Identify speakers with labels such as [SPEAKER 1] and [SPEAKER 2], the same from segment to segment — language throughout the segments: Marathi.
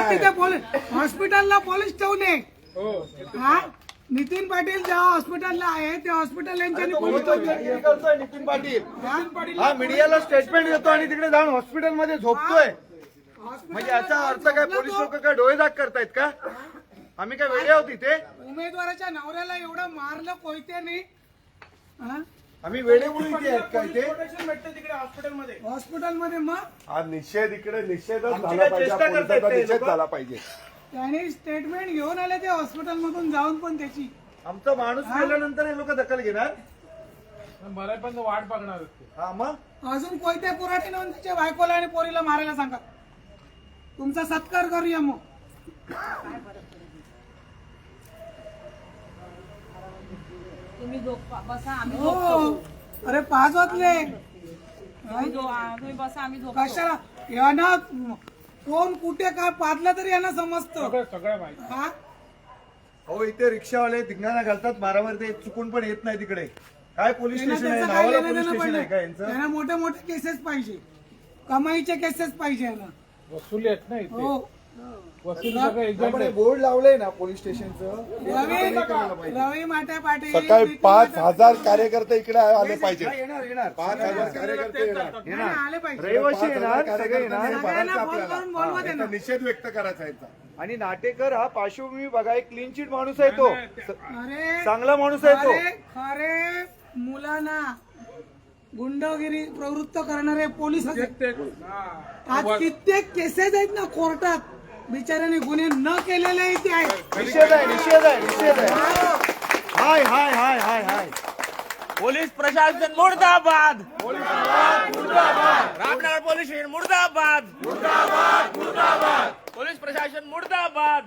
[SPEAKER 1] तिथे पोलीस हॉस्पिटलला पोलीस ठेवणे. हा नितीन पाटील ज्या हॉस्पिटलला आहे त्या हॉस्पिटल यांच्यानी पोलीस
[SPEAKER 2] करतोय नितीन पाटील हा मीडियाला स्टेटमेंट देतो आणि तिकडे जाऊन हॉस्पिटलमध्ये झोपतोय. म्हणजे याचा अर्थ काय पोलीस लोक काय डोळे दाग करतायत का? आम्ही काय वेडे आहोत इथे?
[SPEAKER 1] उमेदवाराच्या नवऱ्याला एवढं मारलं कोयत्याने.
[SPEAKER 2] आम्ही वेडे म्हणून इथे आहेत का इथे?
[SPEAKER 1] हॉस्पिटलमध्ये मग
[SPEAKER 3] हा निषेध इकडे निषेधच झाला पाहिजे, पोलिसांचा निषेध झाला पाहिजे.
[SPEAKER 1] त्याने स्टेटमेंट घेऊन आले ते हॉस्पिटल मधून जाऊन पण त्याची.
[SPEAKER 2] आमचा माणूस गेल्यानंतर हे लोक दखल घेणार.
[SPEAKER 4] मराठीपर्यंत वाट बघणार.
[SPEAKER 2] हा मग
[SPEAKER 1] अजून कोयते पुराठी नेऊन त्याच्या बायकोला आणि पोरीला मारायला सांगा. तुमचा सत्कार करूया मग.
[SPEAKER 5] तुम्ही बसा आम्ही
[SPEAKER 1] हो अरे 5 वाजले.
[SPEAKER 5] तुम्ही बसा आम्ही झोपतो.
[SPEAKER 1] कशाला यांना कोण कुठे काय पाडलं तरी यांना समजतं.
[SPEAKER 4] सगळं माहिती.
[SPEAKER 1] हा
[SPEAKER 2] हो इथे रिक्षावाले धिंगाणा घालतात मारामारी, ते चुकून पण येत नाही तिकडे. काय पोलीस
[SPEAKER 1] त्यांना
[SPEAKER 2] स्टेशन आहे?
[SPEAKER 1] त्याचं काय
[SPEAKER 2] नावाला
[SPEAKER 1] लेणं
[SPEAKER 2] पोलीस
[SPEAKER 1] देणं
[SPEAKER 2] स्टेशन आहे का
[SPEAKER 1] पडलं.
[SPEAKER 2] यांचं?
[SPEAKER 1] त्यांना मोठे मोठे केसेस पाहिजे, कमाईचे केसेस पाहिजे यांना.
[SPEAKER 4] वसुली आहेत ना इथे.
[SPEAKER 1] हो
[SPEAKER 4] वसुली सगळं एजंट
[SPEAKER 2] आपण हे
[SPEAKER 4] आहे.
[SPEAKER 2] बोर्ड लावलंय ना पोलीस स्टेशनचं.
[SPEAKER 1] रवी माटे पाटील
[SPEAKER 3] सकाळी
[SPEAKER 1] नितीन
[SPEAKER 3] 5,000 कार्यकर्ते इकडे आले पाहिजे.
[SPEAKER 2] येणार येणार
[SPEAKER 3] 5,000 कार्यकर्ते येणार.
[SPEAKER 1] नाही, आले पाहिजे.
[SPEAKER 2] रहिवासी येणार,
[SPEAKER 3] 5,000
[SPEAKER 2] सगळे येणार.
[SPEAKER 3] कार्यकर्त्यांनी
[SPEAKER 1] सगळ्यांना
[SPEAKER 3] भरायचं
[SPEAKER 1] फोन
[SPEAKER 3] आपल्याला.
[SPEAKER 1] करून बोलवा
[SPEAKER 3] हा,
[SPEAKER 1] त्यांना.
[SPEAKER 3] याचा निषेध व्यक्त करायचा याचा.
[SPEAKER 2] आणि नाटेकर हा पार्श्वभूमी बघा, एक क्लीन चिट माणूस आहे तो.
[SPEAKER 1] अरे
[SPEAKER 2] चांगला माणूस आहे तो.
[SPEAKER 1] खरे मुलांना गुंडगिरी प्रवृत्त करणारे पोलीस आहेत. आज कित्येक केसेस आहेत ना कोर्टात, बिचाऱ्याने गुन्हे न केलेले इथे आहेत.
[SPEAKER 2] निषेध आहे, निषेध आहे, निषेध आहे. हाय हाय हाय हाय हाय.
[SPEAKER 6] पोलीस प्रशासन मुर्दाबाद. रामनगर पोलीस स्टेशन मुर्दाबाद. पोलीस प्रशासन मुर्दाबाद.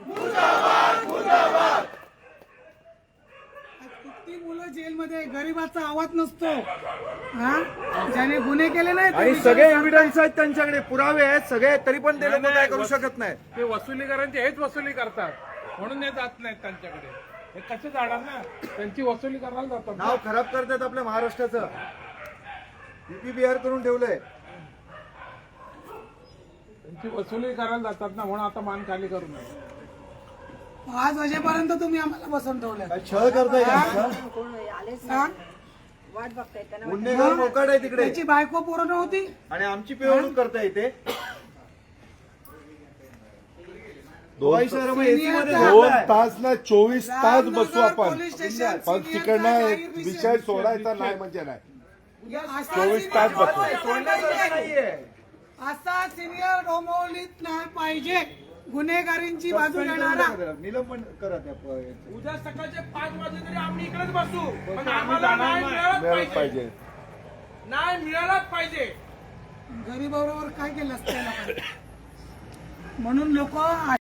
[SPEAKER 1] किती मुलं जेलमध्ये, गरीबाचा आवाज नसतो. हा ज्याने गुन्हे केले नाही
[SPEAKER 2] आणि सगळे एव्हिडन्स आहेत त्यांच्याकडे, पुरावे आहेत सगळे, तरी पण ते लोक काय करू शकत नाहीत.
[SPEAKER 4] ते वसुलीकरांचे हेच वसुली करतात म्हणून हे जात नाहीत त्यांच्याकडे. हे कसे जाणार ना, त्यांची वसुली करायला जातात.
[SPEAKER 2] नाव खराब करतात आपल्या महाराष्ट्राचं. युपी बिहार करून ठेवलंय.
[SPEAKER 4] त्यांची वसुली करायला जातात ना, म्हणून आता मान खाली करू नये.
[SPEAKER 1] 5 वाजेपर्यंत तुम्ही आम्हाला बसून ठेवलं.
[SPEAKER 2] काय छळ करताय का?
[SPEAKER 1] हा?
[SPEAKER 2] गुन्हेगार मोकाट आहे तिकडे
[SPEAKER 1] त्याची बायको पोरं नव्हती.
[SPEAKER 2] आणि आमची पिळवणूक करताय इथे.
[SPEAKER 3] 2 तास ना 24 तास बसू आपण.
[SPEAKER 1] पोलीस स्टेशन
[SPEAKER 3] पण तिकडनं विषय सोडायचा नाही म्हणजे नाही. 24 तास बसू.
[SPEAKER 1] असा सिनियर डोंबिवलीत नाही पाहिजे. गुन्हेगारींची बाजू घेणारा.
[SPEAKER 2] निलंबन करा त्या
[SPEAKER 4] उद्या सकाळचे 5 वाजे तरी आम्ही इकडेच बसू, पण
[SPEAKER 3] आम्ही
[SPEAKER 4] आम्हाला
[SPEAKER 3] जाणार
[SPEAKER 4] न्याय
[SPEAKER 3] नाही.
[SPEAKER 4] मिळालाच
[SPEAKER 3] मिळालंच
[SPEAKER 4] पाहिजे.
[SPEAKER 3] पाहिजे.
[SPEAKER 4] न्याय मिळालाच पाहिजे.
[SPEAKER 1] गरीबाबरोबर काय केलं असतं या लोकांनी? म्हणून लोक